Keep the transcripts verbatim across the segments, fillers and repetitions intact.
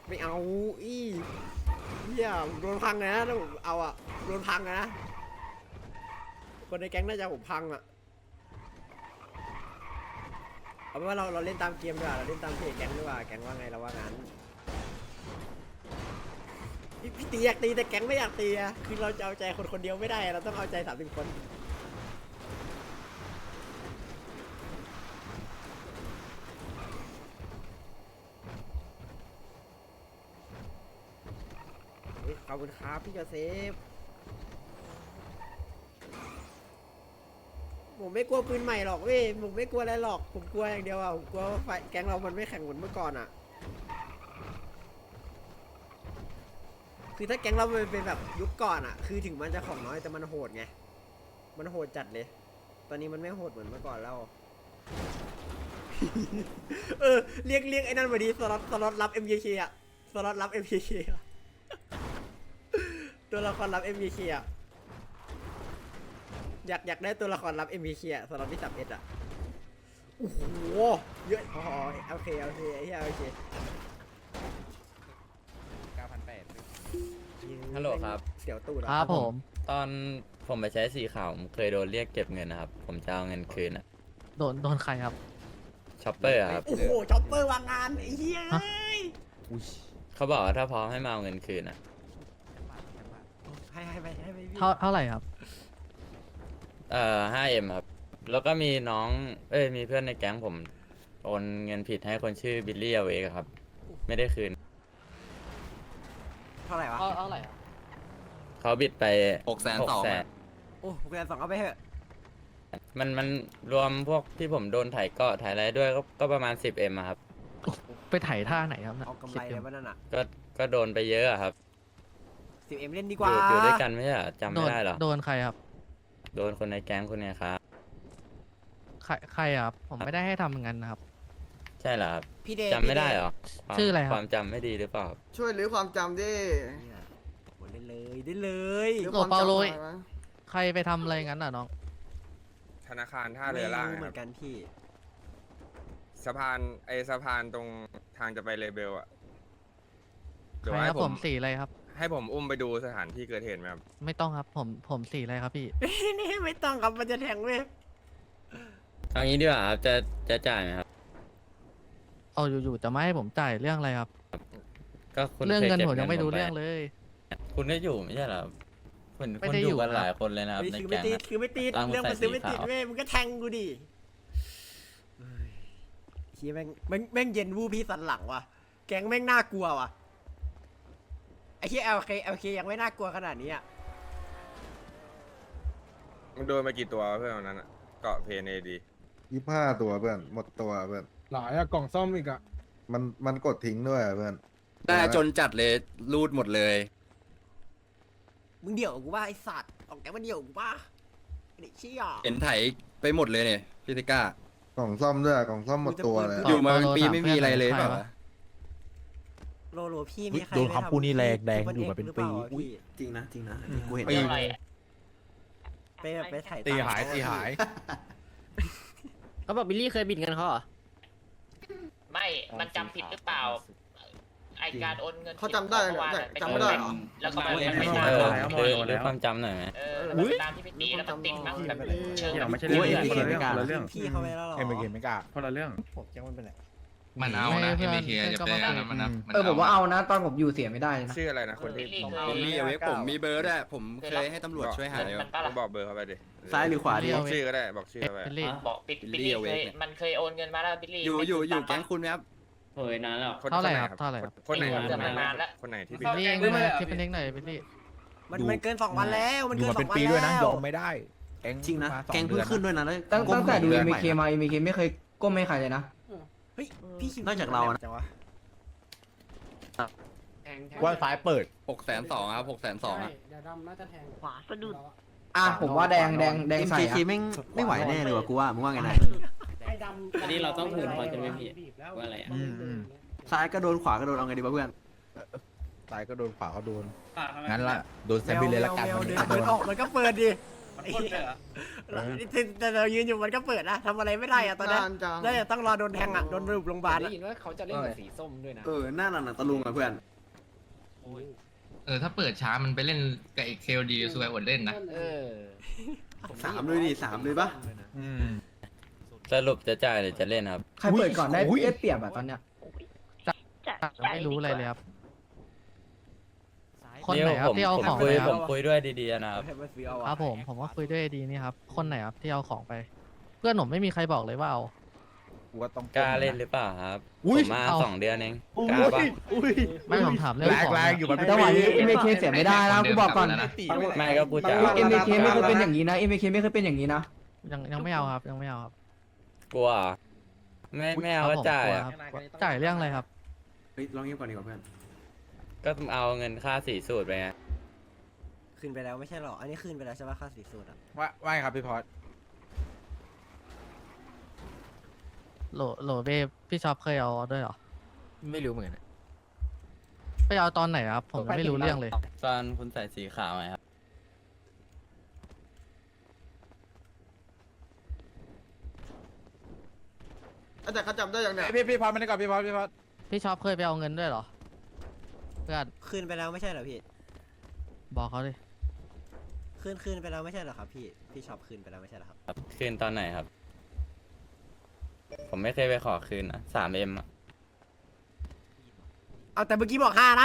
ไม่เอาอี้เฮียโดนพังนะถ้าผมเอาอะโดนพังนะคนในแก๊งน่าจะผมพังอะเอาเป็นว่าเราเราเล่นตามเกมดีกว่าเราเล่นตามเพจแก๊งดีกว่าแก๊งว่าไงเราว่างั้นพี่พี่ตีอยากตีแต่แก๊งไม่อยากตีอะคือเราจะเอาใจคนคนเดียวไม่ได้เราต้องเอาใจสามสิบคนขอบคุณครับพี่โจเซฟผมไม่กลัวปืนใหม่หรอกเว้ยผมไม่กลัวอะไรหรอกผมกลัวอย่างเดียวอ่ะผมกลัวว่าไฟแก๊งเรามันไม่แข่งเหมือนเมื่อก่อนอ่ะคือถ้าแก๊งเราเป็นแบบยุคก่อนอ่ะคือถึงมันจะของน้อยแต่มันโหดไงมันโหดจัดเลยตอนนี้มันไม่โหดเหมือนเมื่อก่อนแล้ว เออเรียกเรียกไอ้นั่นมาดีสล็อตสล็อตรับ เอ็ม เค เค อ่ะสล็อตรับ เอ็ม เค เค อ่ะตัวละครรับ เอ็ม เค เค อ่ะอยากอยากได้ตัวละครรับ เอ็ม เค เค อ่ะสล็อตที่สับเอ็ดอ่ะโอ้โหเยอะพอโอเคโอเคไอ้เหี้ยโอเคเก้าพันแปดฮัลโหลครับเสียวตูดครับผมตอนผมไปใช้สีขาวผมเคยโดนเรียกเก็บเงินนะครับ ผมจะเอาเงินคืนอะโดนโดนใครครับช็อปเปอร์อะครับโอ้โหช็อปเปอร์วางงานไอ้เหี้ยเอ้ยเขาบอกว่าถ้าพร้อมให้มาเอาเงินคืนอะให้ให้ไปให้ไปพี่เท่าเท่าไหร่ครับเอ่อ ห้าเอ็ม ครับ แล้วก็มีน้อง เอ้ย มีเพื่อนในแก๊งผมโอนเงินผิดให้คนชื่อบิลลี่เอาเวกครับ ไม่ได้คืนเท่าไหร่วะเท่าเท่าไหร่ครับเขาบิดไปหกแสนสองแสนโอ้ผมแกสองเอาไปเถอะมันมันรวมพวกที่ผมโดนถ่ายเกาะถ่ายอะไรด้วยก็ก็ประมาณ สิบเอ็ม อะครับไปไถ่ายท่าไหนครับน่ะเอากำไรเลยว่านั่นอ่ะก็ก็โดนไปเยอะอะครับสิบเอ็มเล่นดีอกว่ายู่อยู่ด้วยกันไม่ใช่เหรอจำโดไม่นได้เหรอโดนใครครับโดนคนในแก๊งคนเนี้ยครับใครใครครับ ผมไม่ได้ให้ทำอย่างนั้นนะครับใช่เหรอครับพี่เดย์จำไม่ได้เหรอความชื่ออะไรครับความจำไม่ดีหรือเปล่าช่วยรื้อความจำดิเนี่ยโอ้เล่นเลยเล่นเลยรื้อโอ้ความเปาจำโลหยน่อยนะใครไปทำอะไรงั้นอ่ะน้องธนาคารท่าเรือล่างไม่รู้คเหมืรัอบ นกันพี่สะพานไอสะพานตรงทางจะไปเลเบลอ่ะใคเดี๋ยวรคให้รับผผม มสีอะไรครับให้ผมอุ้มไปดูสถานที่เกิดเหตุไหมครับไม่ต้องครับ ผมผมสีอะไรครับพี่นี่ไม่ต้องครับมันจะแทงเว้ยเอางี้ดีกว่าครับจะจะจ่ายไหมครับเอาอยู่ๆจะไม่ให้ผมจ่ายเรื่องอะไรครับก็คุณเรื่องคยเงินก็บผมยังไม่รู้ปเรื่องเลยคุณก็อยู่ไม่ใช่เหรอคุณไม่คุณได้ออยู่ยู่กันครับหลายคนเลยนะครับนี่ในคือไม่แก๊งติดอะคือไม่ติดตามเรื่องมันใส่ซื้อไม่ติดสีขาวเว้ยมึงก็แทงกูดิเฮ้ยเฮียแม่งแม่งแม่งเย็นวูบพี่สันหลังว่ะแก๊งแม่งน่ากลัวว่ะไอ้เฮียเอลเคเอลเคยังไม่น่ากลัวขนาดนี้อ่ะมึงโดนไปกี่ตัวเพื่อนวันนั้นอ่ะ เกาะเพนเอดียี่ห้าตัวเพื่อนหมดตัวเพื่อนหลายอะกล่องซ่อมอีกอะมันมันกดทิ้งด้วยเพื่อนได้จนจัดเลยรูดหมดเลยมึงเดี่ยวกับกูป่ะไอสัตว์ออกแก๊งมันเดี่ยวกับกูป่ะไอ้เด็กเชี่ยเห็นไถไปหมดเลยเนี่ยพี่ติก้ากล่องซ่อมด้วยกล่องซ่อมหมดตัวเลยอยู่มาเป็นเอาปีเอาไม่มีอะไรเลยใครเปล่าววะะโลโลพี่มีใครโดนคำพูดนี่แรงแรงซุปเปอยู่มาเป็นปีหรือล่าวะพี่จริงนะจริงนะกูเห็นปีไปแบบไปถ่ายตีหายตีหายเขาบอกบิลลี่เคยบิดเงินเขาเหรอไม่ มันจำผิดหรือเปล่า ไอการโอนเงินเขาจำได้เหรอจำไม่ได้เหรอแล้วก็มันไม่เอได้อคือหรือความจำหน่อยไหมเออแล้วมันตามที่พี่ตีแล้วมันติดมั้งแบบเชิงแบบไม่ใช่เรื่องโอ้ยคนละเรื่องเอ็มคนละเรื่องพี่เขาไปแล้วเหรอเอ็มเกไม่กล้าคนละเรื่องผมแก๊งมันเป็นไรมันเอานะเอ็มเคจะเป็นอะไรมันนะเออผมว่าเอานะตอนผมอยู่เสียไม่ได้นะชื่ออะไรนะคนที่บิลลี่เคบิลลี่ยเอาไว้ผมมีเบอร์ด้วยผมเคยให้ตำรวจช่วยหาเงิอน ยู่มันปะมึล่ะงบอกเบอร์เขาไปดิซ้ายหรือขวาดีบอกชื่อก็ได้ บอกชื่อเอ็เขาไปเป็นลี่บอกบิลบิลลี่ลี่เอาไว้เคยมันเคยโอนเงินมาแล้วบิลลี่อยู่อยู่อยู่แก๊งคุณไหมครับเฮ้ยนานแล้วคนเท่าไหร่นครับเท่าไหร่ครับคนไหนเดือนนานแล้วคนไหนที่บิลลี่เองนะคิดเป็นเองหน่อยบิลลี่มันมันเกินสองวันแล้วมันอยู่เกินมาสเป็อน งวันปีด้วยนะแล้วยอมไม่ได้แก๊งจริงนะมาสอแก๊งเพิ่งดือขึ้นด้วยนะแล้วตั้งตั้งแต่ดูก้เอ็มมใหเคมาเอ็มเคไม่เคยก้มให้ใครเลยนะเฮ้ยพี่คิมนอกจากเรานะจังวะว่าซ้ายเปิดหกแสนสองครับหกแสนสองอะขวาสะดุดอ่ะผมว่าแดงแดงแดงเอ็มใส่เคอะไม่ไม่ไหวแน่เลยว่ะกูว่ามึงว่าไงนายอันนี้เราต้องหืนพอจะไม่ผิดว่าอะไรอ่ะอืมอืมซ้ายก็โดนขวาก็โดนเอาไงดีวะเพื่อนซ้ายก็โดนขวาก็โดนงั้นละโดนแซมบิลเลยละกันแมววันเดินี้นเปิดออกมันก็เปิดดิไอ้เหี้ยแต่เรายืนอยู่มันก็เปิดนะทำอะไรไม่ได้อะตอนนั้นนานจังแล้วจะต้องรอโดนแทงอะโดนรูปโรงพยาบาลได้อะยินว่าเขาจะเล่นกับสีส้มด้วยนะเออหน้าหนังตะลุงอ่ะเพื่อนเออถ้าเปิดช้ามันไปเล่นกับเอ็กเคลดีสวยอดเล่นนะเออสามเลยดิสามเลยปะอืมสรุปจะจ่ายหรือจะเล่นครับใครเปิดก่อนได้ได้เปรียบอะตอนเนี้ยไม่รู้อะไรเลยครับ คนไหนครัผบมที่เอาผมของคุไปยคผรับมคุยด้วยดีๆนะครับให้มันซื้อเอาคอะรับผมผมก็คุยด้วยดีนี่ครับ คนไหนครับที่เอาของไป เพื่อนผมไม่มีใครบอกเลยว่าเอากูว่าต้องกล้าเล่นหรือเปล่าครับอุ้ผยมมาเอาสองเดือนเองอุ้ยกล้าปะอุ้ยไม่ผมถามเรื่องแรงของแรงอยู่มันจังหวะนี้ เอ็ม เค เสียไม่ได้นะกูบอกก่อนไม่ก็กูจะเอ็ม เค ไม่เคยเป็นอย่างนี้นะ เอ็ม เค ไม่เคยเป็นอย่างนี้นะยังยังไม่เอาครับยังไม่เอาครับกลัวไม่ไม่เอาครัก็บผมจ่ายกลัวอะครับจ่ายเรื่องอะไรครับเฮ้ยลองเงียบก่อนดีกว่าเพื่อนก็เอาเงินค่าสีสูตรไปไงคืนไปแล้วไม่ใช่หรออันนี้คืนไปแล้วใช่ปะค่าสีสูตรอะว่าว่าไงครับพี่พอดโหลโหลเบพี่ชอบเคยเอาด้วยเหรอไม่รู้เหมือนกันไปเอาตอนไหนครับ ผมยังไม่รู้เรื่องเลยตอนคุณใส่สีขาวไงครับแต่เขาจำได้อย่างเนี้ยพี่พี่พอดมาได้ก่อนพี่พอดพี่พอดพี่ชอบเคยไปเอาเงินด้วยเหรอ เพื่อนคืนไปแล้วไม่ใช่เหรอพี่บอกเขาดิคืนคืนไปแล้วไม่ใช่เหรอครับพี่พี่ชอบคืนไปแล้วไม่ใช่เหรอครับคืนตอนไหนครับ ผมไม่เคยไปขอคืนนะสามเอ็มอะเอาแต่เมื่อกี้บอกห้านะ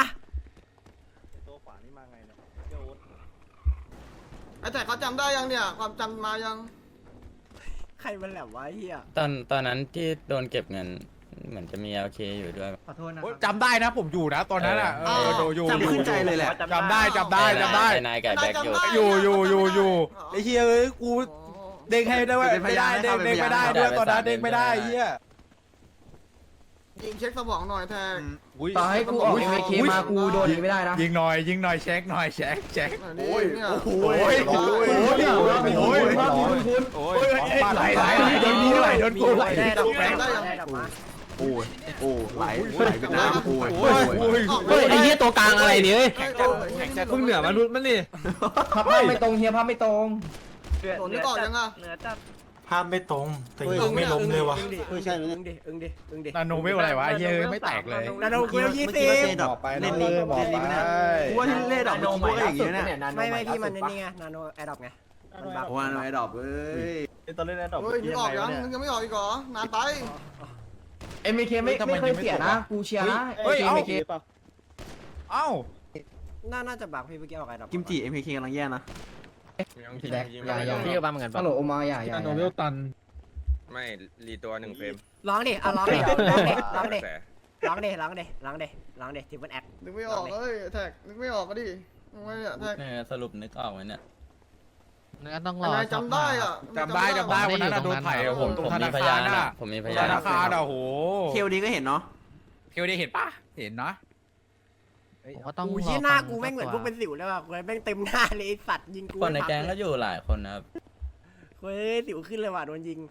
ไอ้แต่เขาจำได้ยังเนี่ย ความจำมายังใครมันแหลมวะไอ้เฮียตอนตอนนั้นที่โดนเก็บเงิน เหมือนจะมี แอล เค อยู่ด้วยขอโทษนะโอ๊ยจำได้นะผมอยู่นะตอนนั้นอ่ะเออดูอยู่จำขึ้นใจเลยแหละจำได้จำได้จำได้ไอ้นายกับแบ็คอยู่อยู่อยู่อยู่อยู่ไอ้เฮียเอ้ยกูเด้งให้ได้ว่าไม่ได้เด้งเด้งไม่ได้ด้วยตอนนั้นเด้งไม่ได้เฮียยิงเช็คสมองหน่อยแทนอุ้ยต่อให้กูออก เอ็ม เค มากูโดนอย่างนี้ไม่ได้นะยิงหน่อยยิงหน่อยเช็คหน่อยเช็คเช็คโอ้ยเนี่ยโอ้ยโอ้ยโอ้ยโอ้ยโอ้ยไหลไหลโดนกูไหลโดนกูไหลได้ดอกแบงค์ได้ได้ยังดอกมาโอ้ยโอ้ไหลไหลเป็นน้ำโอ้ยโอ้ยโอ้ยเฮ้ยไอ้เหี้ยตัวกลางอะไรเนี่ยมึงเหนือมนุษย์มันนี่ภาพไม่ตรงเฮียภาพไม่ตรงโดนนี่ก่อนยังอ่ะภาพไม่ตรงแต่ยังไม่ล้มเลยว่ะอึ้งดิอึ้งดิอึ้งดิอึ้งดิอึ้งดินาโนเวลอะไรวะเฮียไม่แตกเลยนาโนเวลยี่สิบบอกไปเล่นนี้บอกไปกูว่าที่เล่ดอกมันกูก็อย่างงี้เนี่ยไม่ไม่พี่มันนี่ไงนาโนแอดดอปไงมันบักโอ้ยไอ้ดอกเอ้ยตอนเล่นแอดดอปเฮ้ยนึกออกยังนึกยังไม่ออกอีกเหรอ นานไปเอ็ม เค ไม่ไม่เคยเสียนะ กูเชียร์นะเฮ้ยเอ็เอ้ามเคเอ้าน่าน่าจะบักพี่เมื่อกี้ออกแอดดอปกิมจิ เอ็ม เค กำลังแย่นะพี่แดกอย่าอย่าพี่ก็บ้าเหมือนกันฮัลโหลโอมาอย่าอย่าอย่าตันไม่รีตัวหนึ่งเฟรมร้องดิอ่ะร้องดิร้องดิร้องดิแต่ร้องดิร้องดิร้องดิร้องดิทิปเปิลแอคนึกไม่ออกเอ้ยแท็กนึกไม่ออกก็ดินึกไม่เนี่ยแท็กเออสรุปนึกออกไหมเนี่ยงั้นต้องรอันอไหนจำได้อ่ะจำได้จำได้วันนั้นโดนไผ่ผมตรงผมธมีนาพคายาร นน่ะอะผมมีพธยานนาคารอ่ะโหเคลดีก็เห็นเนาะเคลดีเห็นปะเห็นนะผมก็ต้องกูรอชี้หน้าฟังกูแม่งเหมือนพตัวกเป็นสิวเลยว่ะกูแม่งเต็มหน้าเลยไอ้สัตว์ยิงกูคนในแก๊งก็อยู่หลายคนนะครับเฮ้ยสิวขึ้นเลยว่ะโดนยิง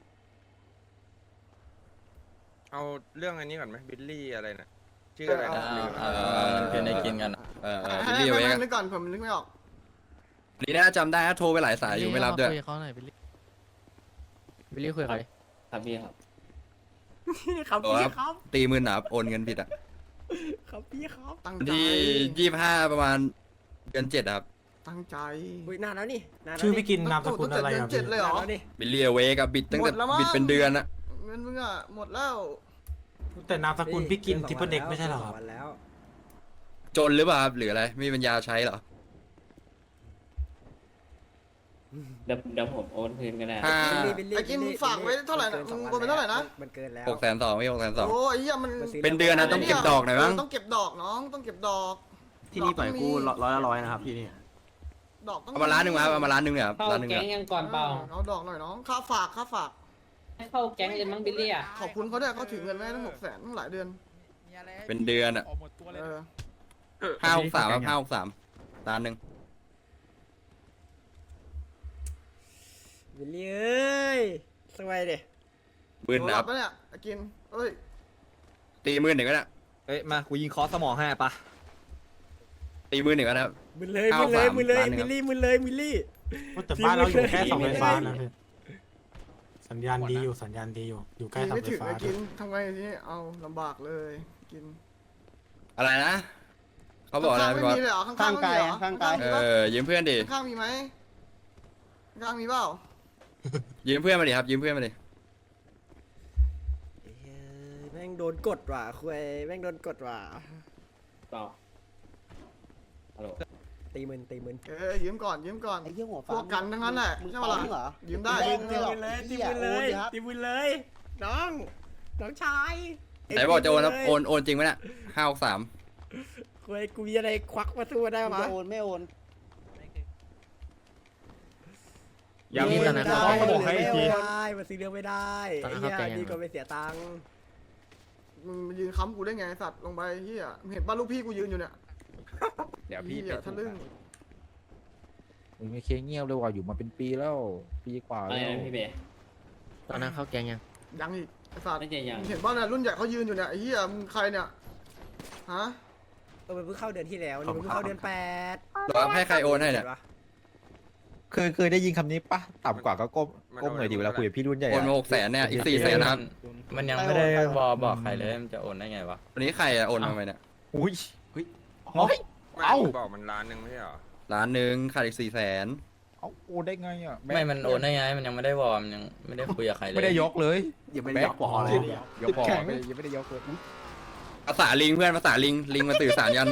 เอาเรื่องอันนี้ก่อนไหมบิลลี่อะไรนะชื่ออะไรเอนะอเออเออมันคือในกินกันอะเออเออให้ให้ให้นึกก่อนผมนึกไม่ออกลีน่าจำได้นะโทรไปหลายสายอยู่ไม่รับด้วยคุยกับเขาหน่อยบิลลี่วิลลี่คุยกับใครครับพี่ครับครับโอ้พี่ครับครับตีมือหนาโอนเงินผิดอ่ะครับพี่ครับตั้งวันใจที่ยี่สิบห้าประมาณเดือนเจ็ดครับตั้งใจอุ้ยนานแล้วนี่นานแล้วชื่อพี่กินนามสกุลอะไรเดืออ่ะนเจ็ดเลยเหรอนานแล้วนี่บิลเลียเวกับบิดตั้งแต่หมดแล้วมั้งบิดเป็นเดือนอะเงินมึงอ่ะหมดแล้วแต่นามสกุลพี่กินทิปเปิลเด็กไม่ใช่หรอครับวันแล้วจนหรือเปล่าครับหรืออะไรไม่มีปัญญาใช้เหรอเดี๋ยวเดี๋ยวผมโอนคืนก็ได้ห้าบิลลี่ไอ้กินมึงฝากไว้เท่าไหร่นะมึงโอนไปเท่าไหร่นะมันเกินแล้วหกแสนสองไม่หกแสนสองโอ้ยเหี้ยมันเป็นเดือนนะต้องเก็บดอกหน่อยมั้งต้องเก็บดอกน้องต้องเก็บดอกที่นี่ปล่อยกูร้อยละร้อยนะครับที่นี่ดอกต้องเอามาล้านหนึ่งมาเอามาล้านหนึ่งเนี่ยครับเข้าล้านหนึ่งแก๊งเนี่ยยังก่อนเปล่าเอาดอกหน่อยน้องค่าฝากค่าฝากให้เข้าแก๊งเลยมั้งบิลลี่อ่ะขอบคุณเขาด้วยเขาถือเงินไว้ตั้งหกแสนตั้งหลายเดือนเป็นเดือนอะเออห้าหกสามครับห้าหกสามล้านหนึ่งบิลลี่เอ้ยสวยดิหมื่นโดนะนครัรับบ ปะเนี่ยไอ้กินเอ้ยตีหมื่นหนึ่งก็ได้เอ้ยมากูยิงคอสมองให้ปะตีหมื่นหนึ่งก็ได้ครับมึนเลยเก้ามึนเลยสามมึนเลยล้านหนึ่งบิลลี่มึนเลยบิลลี่แต่บ้านเราอยู่แค่เสาไฟฟ้านะพี่สัญญาณดีอยู่สัญญาณดีอยู่อยู่ใกล้กินเสาไม่ไฟถึงฟ้าไอ้กินทำไงทีนี้เอาลำบากเลยกินอะไรนะเขาบอกอะไรข้างๆพี่ไม่บอสมีเลยเหรอข้างๆไม่มีเหรอข้างกายเออยืมเพื่อนดิข้างๆมีไหมข้างๆมีเปล่ายืมเพื่อนมาดิครับยืมเพื่อนมาดิเฮ้ยแม่งโดนกดว่ะคุยแม่งโดนกดว่ะต่อฮัลโหลตีมึนตีมึนเออยืมก่อนยืมก่อนไอ้เหี้ยหัวพฟ้าวกกันทั้งนั้นแหละมึงใช่ปะล่ะฟ้องเหรอยืมได้แดยืงมไม่หรอกเลยตีเหี้ยมึนเลยโอนดิครับตีมึนเลยน้องน้องชายไหนบอกจะโอนครับตีมึโอนโอนจริงไหมเนี่ยห้าหกสามคุยกูมีอะไรควักมาสู้ได้มึงปะจะโอนไม่โอนยังมีไม่แต่นะได้เขาบอกให้ไม่ทีได้มันซื้อเรื่องไม่ได้ไอ้เหี้ยดีกว่าไปเสียตังค์มึงมายืนค้ำกูได้ไงไอ้สัตว์ลงไปเฮียมึงเห็นป่ะลูกพี่กูยืนอยู่เนี่ยเดี๋ยวพี่เฮียทะลึ่งมึงไม่เคเงียบเลยว่ะอยู่มาเป็นปีแล้วปีกว่าอะไรแล้วนะพี่เบย์ตอนนั้นเข้าแกงยังยังอีกไอ้สัตว์ไม่ใช่ยังมึงเห็นป่ะเนี่ยรุ่นใหญ่เขายืนอยู่เนี่ยไอ้เฮียมึงใครเนี่ยฮะเออมันเพิ่งเข้าเดือนที่แล้วนี่มันเพิ่งเข้าเดือนแปดรอให้ใครโอนให้เนี่ยเคยเคยได้ยินคำนี้ปะต่ำกว่าก็ก้มก้มหน่อยดีเวลาคุยกับพี่รุ่นใหญ่โอนอะมาหกแสนเนี่ยอีกสี่แสนนะครับมันยังไม่ได้วอบอกใครเลยมันจะโอนได้ไงวะวันนี้ใครอะโอนมาไหมเนี่ยอุ้ยเฮ้ยเฮ้ยไม่เอ้าบอกมันล้านหนึ่งไม่ใช่เหรอล้านหนึ่งขาดอีกสี่แสนเอาโอนได้ไงอ่ะไม่มันโอนได้ไงมันยังไม่ได้วอมันยังไม่ได้คุยกับใครเลยไม่ได้ยกเลยยังไม่ได้ยกปอเลยยกปอไม่ยังไม่ได้ยกเลยอุ๊ยภาษาลิงเพื่อนภาษาลิงลิงมาสื่อสารกัน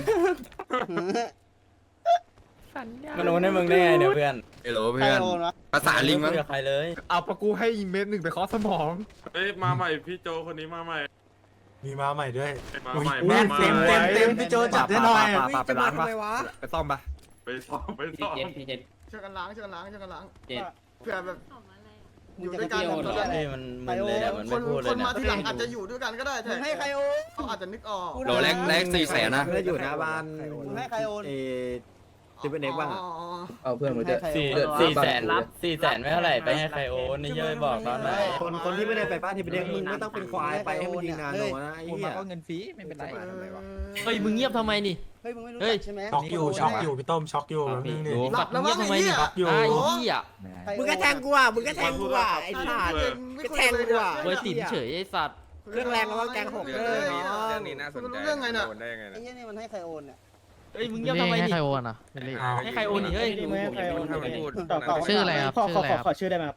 มันโอนให้มึงได้ไงเนี่ยเพื่อนเฮลโหลใครเพื่อนโอนวะภาษาลิงมั้งไม่คุยกับใครเลยเอาปะกูให้เม็ดหนึ่งไปเคอสมองเอ้ยมาใหม่พี่โจคนนี้มาใหม่มีมาใหม่ด้วยมาใหม่อุ๊ยมาใหม่เต็มเต็มเต็มพี่โจจัดให้หน่อยปาไปร้านปะวะไปซ่อมปะไปซ้อมไปพี่ซ้อมเจ็ดพี่เจ็ดช่วยกันล้างช่วยกันล้างช่วยกันล้างเจ็ดเผื่อแบบมึอง ยู่จะด้วยกันพี่โอนเหรอนี่มันมึนเลยอะมันคไม่นพูดเลคยนเนี่ยมาทีหลังอาจจะอยู่ด้วยกันก็ได้มึแต่งให้ใครโอนเขาอาจจะนึกออกโหลแรกแรกสี่แสนนะไม่ได้อยู่หน้าบ้านมึงให้ใครโอนเอติเป็นเอกบ้างอะเอาเพื่อนมาให้ด้วยใครโอสี่นสี่แสนสี่แสนไม่เท่าไหร่ไปให้ใครโอนนี่เย้ยบอกตอนไหนคนคนที่ไม่ได้ไปบ้านที่เป็นเด็กมึงไม่ต้องเป็นควายไปให้มันยิงนานหนนะไอ้โอนเหี้มาย ก็เงินฟรีไม่เป็นไรเฮ้ยมึงเงียบทำไมนี่เฮ้ยมึงไม่รู้เฮ้ยจักใช่ไหมช็อกอยู่ช็อกอยู่พี่ต้มช็อกอยู่แป๊บนึงนี่หลับแล้วมั้งไอ้เหี้ยช็อกอยู่ไอ้โอ้เหี้ยใครโอนมึงก็แทงกูอ่ะมึงก็แทงกูอ่ะไอ้สัตว์ ก็แทงกูอะเว้ยติ่มเฉยไอ้สัตว์เครื่องแรงแล้วก็แกงหกเรื่องเลยนี้เนาะเรื่องนี้น่าสนใจเรื่องไงน่ะโอนได้ยังไงไอ้นะเหี้ยนี่มันให้ใครโอนเนี่ยเฮ้ยมึงเงียบทำไมนี่ให้ใครโอนอ่ะให้ใครโอนนี่เฮ้ยผมยังไม่รู้ถ้ามันพูดชื่ออะไรครับขอขอขอขอชื่อได้ไหมครับ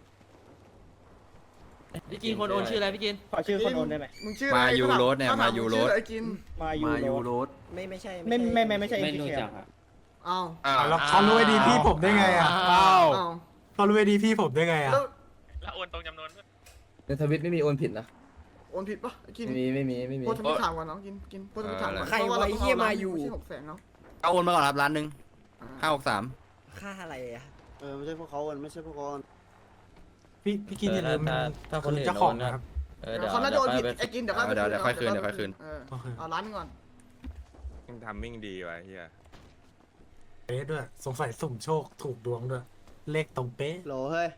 พี่กินคนโอนชื่ออะไรพี่กินขอชื่อคนโอนได้ไหมมึงชื่อมายูโรสเนี่ยมายูโรสไอ้กินมายูโรสไม่ไม่ใช่ไม่ไม่ไม่ไม่ใช่ไม่เอ็มรู้พีจักครับอ้าวอ้าวแล้วเขารู้ไอดีพี่ผมได้ไงอ่ะอ้าวอ้าวเขารู้ไอดีพี่ผมได้ไงอ่ะแล้วแล้วโอนตรงจำนวนในทวิตไม่มีโอนผิดนะโอนผิดปะไอ้กินไม่มีไม่มีไม่มีโพสต์ทวิตถามก่อนน้องกินกินโพสต์ทวิตถามก่อนใครวะไอ้เหี้ยมาอยู่ไม่ใช่หกแสนเนาะเอาโอนมาก่อนครับล้านหนึ่งห้าหกสามค่าอะไรอ่ะเออไม่ใช่พวกเขาโอนไม่ใช่พวกเขาโอนพี่พี่กินอย่าลืมถ้าถ้าคนอื่นเจ้าโดของนนะนะครับ เออเดี๋ยวเขาน่าจะโอนผิดเดี๋ยวไอ้กินเดี๋ยวเดี๋ยวเดี๋ยวค่อยคืนเดี๋ยวค่อยคืนเออเอาล้านหนึงก่อนทำมิ่งดีว่ะเฮียเป๊ะด้วยสงสัยสุ่มโชคถูกดวงด้วย เลขตรงเป๊ะโหลเฮ้ย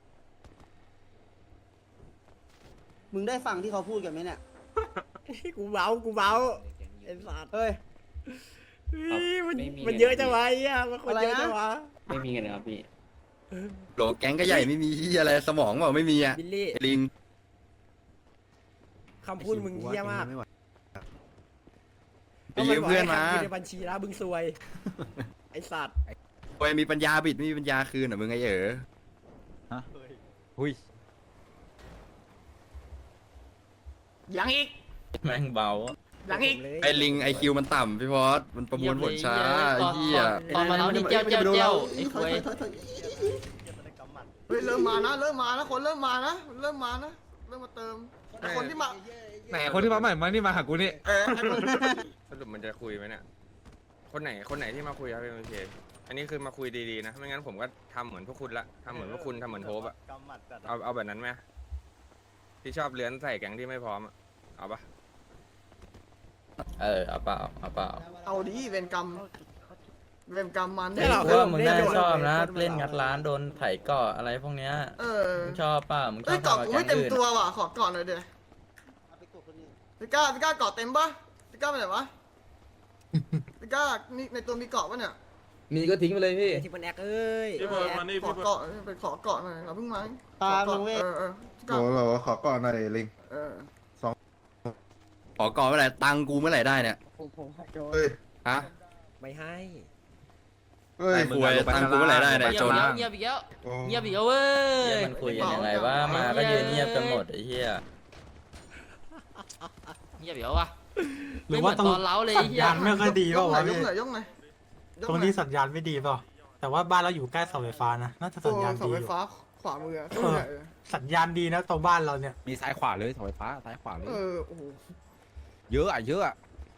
มึงได้ฟังที่เขาพูดกันไหมเนี่ยกูเบากูเบาไอ้สัตว์เฮ้ยเฮ้ยมันไม่มีมันเยอะจังวะไอ้เหี้ยมันคนเยอะจังวะไม่มีกันนะครับพี่โหลแก๊งก็ใหญ่ไม่มีที่อะไรสมองเปล่าไม่มีอ่ะบิลลี่ลิงคำพูดมึงเหี้ยมากไปยืมเพื่อนมาก็บกให้ทำกินในบัญชีแล้วมึงซวย ไอ้สัตว์โอ้ยมีปัญญาบิดไม่มีปัญญาคืนเหรอมึงไงเอ๋ออุ้ยยังอีกแม่งเบายังอีกไอ้ลิงไอคิวมันต่ำพี่พอสมันประมวลผลช้าไอ้เหี้ยตอนมาแล้วนี่เจ้าเจ้าเจ้าไอ้ควยเฮ้ยเริ่มมานะเริ่มมานะคนเริ่มมานะเริ่มมานะเริ่มมาเติมแต่คนที่มาแหมคนที่มาใหม่มานี่มาหากูนี่เออไอ้คนสรุปมันจะคุยไหมเนี่ย คนไหนคนไหนที่มาคุยครับพี่โอเคอันนี้คือมาคุยดีๆนะ ไม่งั้นผมก็ทำเหมือนพวกคุณละทำเหมือนพวกคุณทำเหมือนโทบอะเอาเอาแบบนั้นไหมที่ชอบเลื้อนใส่แก๊งที่ไม่พร้อมอะเอาปะเออเอาเปล่าเอาเปล่าเอาดิเวรกรรมเวรกรรมมันไม่หรอกพวกมึงน่าชอบนะ เล่นงัดร้านโดนไถเกาะอะไรพวกเนี้ยเออมึงชอบป่ะมึงชเอ้อย บเกาะทำกับกูแก๊ไม่งเต็มอื่นตัวว่ะขอก่อนเลยเดี๋ยวเอาไปกดคนอื่นพี่ก้าพี่ก้าเกาะเต็มปะพี่ก้าไปไหนวะพี่ก้านี่ในตัวมีเกาะปะเนี่ยมีก็ทิ้งไปเลยพี่ที่มันแอกเอ้ยพี่เบิร์ดมานี่ขอพี่เบิร์ดเกาะไปขอเกาะหน่อยเราเพิ่งมาตามขอลุงเว้เกาะยเออเออโอ้โหขอก่อนหน่อยลิงเออขอก่อนเมื่อไหร่ตังค์กูเมื่อไหร่ได้เนี่ยเฮ้ยฮะไม่ให้เฮ้ยไอ้คุยตังค์กูเมื่อไหร่ได้เนี่ยจนเงียบอีกแล้วโอ้เงียบอีกแล้วเว้ยมันคุยกันยังไงว่ามาก็ยืนเงียบกันหมดไอ้เหี้ยเงียบอีกแล้ววะหรือว่าตรงไม่เหมือนตอนเล้าเลยสัญญาณไม่ค่อยดียเปล่ากหน่วะอยยพี่กหน่อยยกหน่อยยกตรงหน่อยนี้สัญญาณไม่ดีเปล่าแต่ว่าบ้านเราอยู่ใกล้เสาไฟฟ้านะน่าจะสัญญาณเสาดีไฟอยู่ฟ้าขวามืออะเออ สัญญาณดีนะตรงบ้านเราเนี่ยมีซ้ายขวาเลยเสาไฟฟ้าซ้ายขวาเลยเออโอ้โหเยอะอ่ะเยอะอ่ะ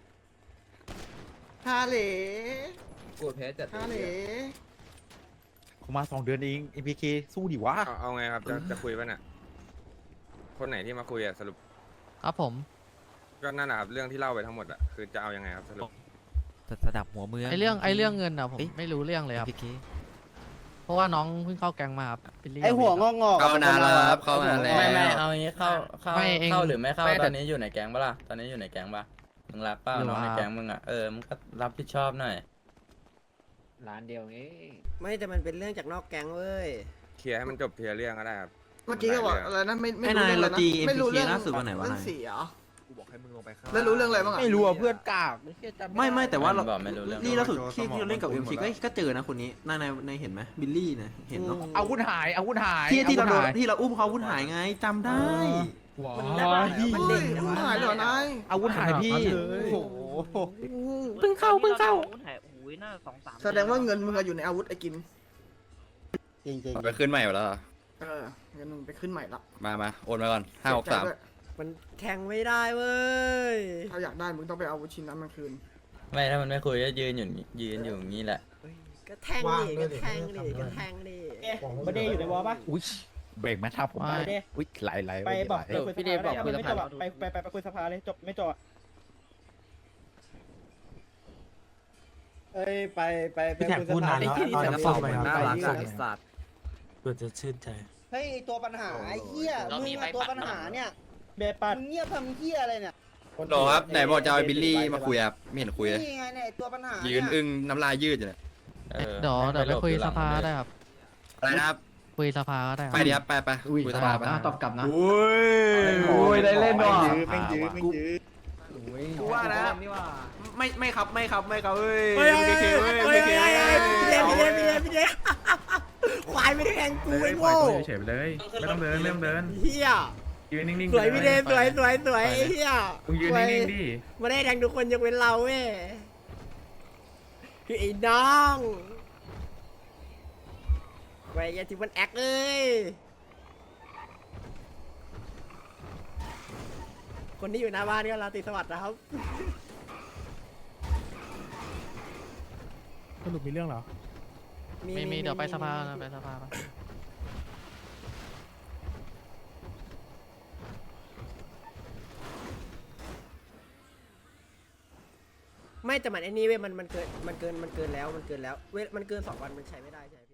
ฮาเหล่กลัวแพ้จัดฮาเหล่เขามาสองเดือนเอง เอ็ม พี เค สู้ดิวะเอาเอาไงครับจะจะคุยป่ะเนี่ยคนไหนที่มาคุยอะสรุปครับผมก็นั่นแหละครับเรื่องที่เล่าไปทั้งหมดอะคือจะเอายังไงครับสรุประดับหัวเมืองไอเรื่องไอเรื่องเงินอะผมไม่รู้เรื่องเลยครับ เพราะว่าน้องเพิ่งเข้าแก๊งมาครับบิลลี่ไอหัวงอกงอกเข้านานแล้วครับเข้านานแล้วไม่ไม่เอางี้เข้าเข้าไม่เองเข้าหรือไม่เข้าไม่แต่ตอนนี้อยู่ในแก๊งปะล่ะตอนนี้อยู่ในแก๊งปะมึงรับเป้าอยู่น้องในครับแก๊งมึงอ่ะเออมึงก็รับผิดชอบหน่อยร้านเดียวเองไม่แต่มันเป็นเรื่องจากนอกแก๊งเว้ยเคลียร์ให้มันจบเคลียร์เรื่องก็ได้ครับเมื่อกี้ก็บอกอะไรนะไม่ไม่ไอ้รู้นายเรื่องอะไรเราตีนะไม่รู้เรื่องล่าสุดวันไหนวะเรื่องนายเสียกูบอกให้มึงลงไปข้างแล้วรู้เรื่องอะไรบ้างอะไม่รู้อ่ะเพื่อนกากไม่ไม่แต่ว่าเราบอกไม่รู้เรื่องนี่ล่าสุดที่ที่เราเล่นกับ เอ็ม ซี ก็ก็เจอนะคนนี้นายนายนายเห็นไหมบิลลี่นะเห็นเนาะอาวุธหายอาวุธหายที่ที่เราโดนที่เราอุ้มเขาอาวุธหายไงจำได้มันได้ปะมันเด้งเฮ้ยมันหายเหรอนายอาวุธหายพี่โอ้โหเพิ่งเข้าเพิ่งเข้าแสดงว่าเงินมึงอะอยู่ในอาวุธไอ้กินจริงจริงเอาไปขึ้นใหม่หมดแล้วเหรอเออเงินมึงไปขึ้นใหม่ละมามาโอนมาก่อนห้าหกสามเสียใจด้วยมันแทงไม่ได้เว้ยถ้าอยากได้มึงต้องไปเอาอาวุธชิ้นนั้นมาคืนไม่ถ้ามันไม่คุยก็ยืนอยู่นี่ยืนอยู่อย่างนี้แหละก็แทงดิก็แทงดิก็แทงดิประเดี๋ยวอยู่ในวอลปะอุ้ยเบรกไหมทับผมไม่อุ้ยไหลไหลไปบอกไหลไปคุยพี่เดชบอกคุยสภาไปไปไปไปคุยสภาเลยจบไม่จบเอ้ยไปไปไปพี่แท็กพูดนานแล้วเอาน้ำส้มไปครับน่าเอารักน้ำส้มไอ้ไปสัตว์เพื่อจะชื่นใจเฮ้ยตัวปัญหาไอ้เหี้ยเรามึมีงใบอะตัวปัดปัญหาเนี่ยเบปัดมึงเงียบทำเหี้ยอะไรเนี่ยโหลครับไหนบอกจะเอาไอ้บิลลี่มาคุยครับไม่เห็นคุยเลยนี่ไงเนี่ยตัวปัญหายืยืนอึ้งน้ำลายยืดอยู่เนี่ยเออเดี๋ยวเดี๋ยวไปคุยสภาได้ครับอะไรนะครับคุยสภาก็ได้ครับไปดิครับไปไปคุยสภาไปตอบกลับนะอุ้ยโอ้ยได้เล่นว่ะแม่งยื้อแม่งยื้อกูว่านะไม่ไม่ครับไม่ครับไม่ครับเอ้ยเฮ้ยเอ็มเฮ้ยเคเฮ้ยเว้ยเฮ้เอ็ยมเฮ้ยเคเฮ้ยเว้ยพี่เดชพี่เดชพี่เดชพี่เดชควายไม่ได้แทงกูไอ้โง่เฉยไปเลย ไม่ต้องเดินไม่ต้องเดินเฮียยืนนิ่งๆสวยพี่เดชสวยสวยสวยไอ้เฮียมึงยืนนิ่งๆดิไม่ได้แทงทุกคนยกเว้นเราเว้ยคือไอ้น้องไว้ยาที่มันแอคเอ้ยคนที่อยู่หน้าบ้านก็ราตรีสวัสดิ์นะครับสรุปมีเรื่องเหรอมีมีเดี๋ยวไปสภานะไปสภาปะไม่แต่มันไอ้นี่เว้ยมันมันเกินมันเกินมันเกินแล้วมันเกินแล้วเว้ยมันเกินสองวันมันใช้ไม่ได้ใช่ไหม